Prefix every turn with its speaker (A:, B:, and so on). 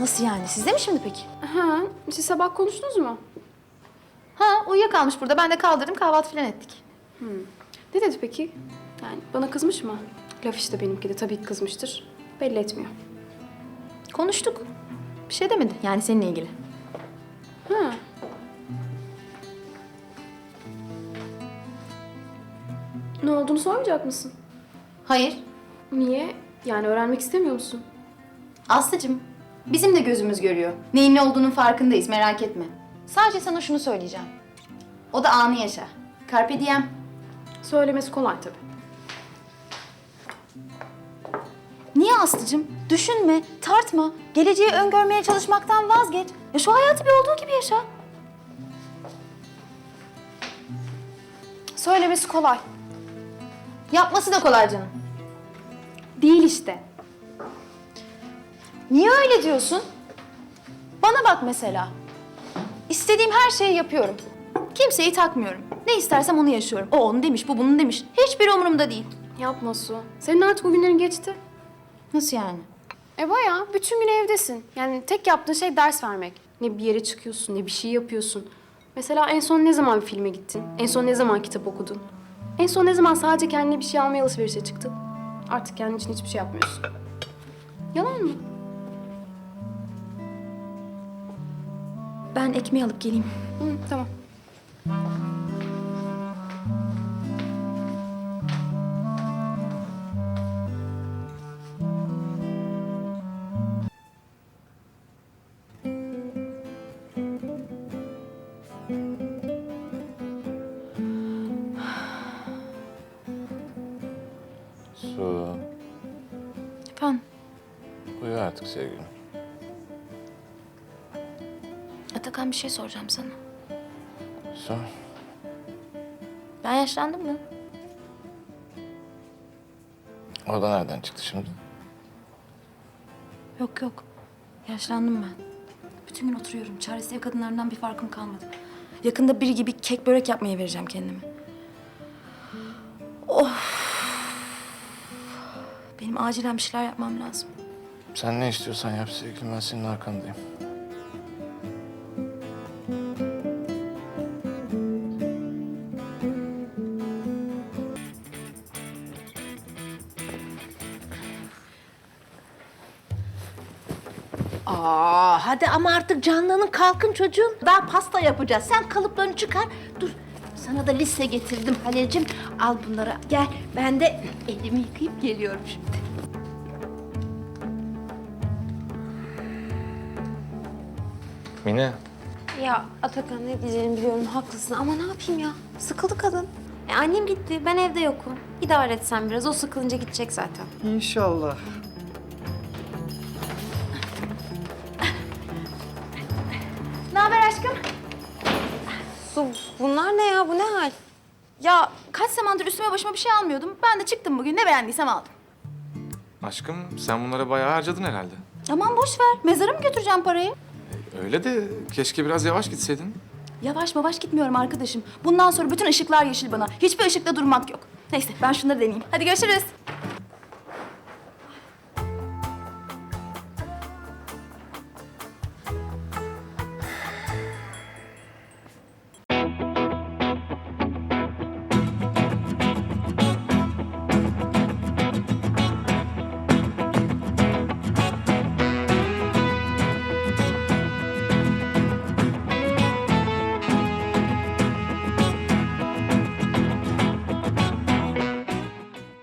A: Nasıl yani? Sizde mi şimdi peki?
B: Ha, siz sabah konuştunuz mu?
A: Ha, uyuyakalmış burada. Ben de kaldırdım, kahvaltı falan ettik.
B: Ne dedi peki? Yani bana kızmış mı? Laf işte benimki de tabii ki kızmıştır. Belli etmiyor.
A: Konuştuk. Bir şey demedi. Yani seninle ilgili.
B: Ha. Ne olduğunu sormayacak mısın?
A: Hayır.
B: Niye? Yani öğrenmek istemiyor musun?
A: Aslıcığım, bizim de gözümüz görüyor. Neyin ne olduğunun farkındayız, merak etme. Sadece sana şunu söyleyeceğim. O da anı yaşa. Carpe diem.
B: Söylemesi kolay tabii.
A: Niye Aslıcığım? Düşünme, tartma. Geleceği öngörmeye çalışmaktan vazgeç. Ya şu hayatı bir olduğu gibi yaşa.
B: Söylemesi kolay.
A: Yapması da kolay canım.
B: Değil işte.
A: Niye öyle diyorsun? Bana bak mesela. İstediğim her şeyi yapıyorum. Kimseyi takmıyorum. Ne istersem onu yaşıyorum. O onu demiş, bu bunu demiş. Hiçbiri umurumda değil.
B: Yapma Su. Senin artık o günlerin geçti.
A: Nasıl yani?
B: Bayağı bütün gün evdesin. Yani tek yaptığın şey ders vermek. Ne bir yere çıkıyorsun, ne bir şey yapıyorsun. Mesela en son ne zaman bir filme gittin? En son ne zaman kitap okudun? En son ne zaman sadece kendine bir şey almaya alışverişe çıktın? Artık kendin için hiçbir şey yapmıyorsun. Yalan mı?
A: Ben ekmeği alıp geleyim.
B: Hı, tamam.
C: Su,
A: Efendim?
C: uyu artık sevgilim.
A: Atakan bir şey soracağım sana.
C: Sor.
A: Ben yaşlandım mı?
C: O da nereden çıktı şimdi?
A: Yok yok. Yaşlandım ben. Bütün gün oturuyorum. Çaresiz ev kadınlarından bir farkım kalmadı. Yakında biri gibi kek börek yapmaya vereceğim kendimi. Of. Benim acilen bir şeyler yapmam lazım.
C: Sen ne istiyorsan yap sevgilim, ben senin arkandayım.
D: Hadi ama artık canlanın kalkın çocuğum. Daha pasta yapacağız. Sen kalıplarını çıkar. Dur. Sana da liste getirdim Halil'cim. Al bunları. Gel. Ben de elimi yıkayıp geliyorum şimdi.
C: Mine.
E: Ya Atakan ne diyeceğimi biliyorum, haklısın ama ne yapayım ya? Sıkıldı kadın. Annem gitti, ben evde yokum. İdare etsen biraz, o sıkılınca gidecek zaten.
F: İnşallah.
A: Ne haber aşkım?
E: Su, bunlar ne ya? Bu ne hal?
A: Ya kaç zamandır üstüme başıma bir şey almıyordum. Ben de çıktım bugün. Ne beğendiysem aldım.
G: Aşkım sen bunlara bayağı harcadın herhalde.
A: Aman boş ver. Mezara mı götüreceğim parayı?
G: Öyle de keşke biraz yavaş gitseydin.
A: Yavaş yavaş gitmiyorum arkadaşım. Bundan sonra bütün ışıklar yeşil bana. Hiçbir ışıkta durmak yok. Neyse ben şunları deneyeyim. Hadi görüşürüz.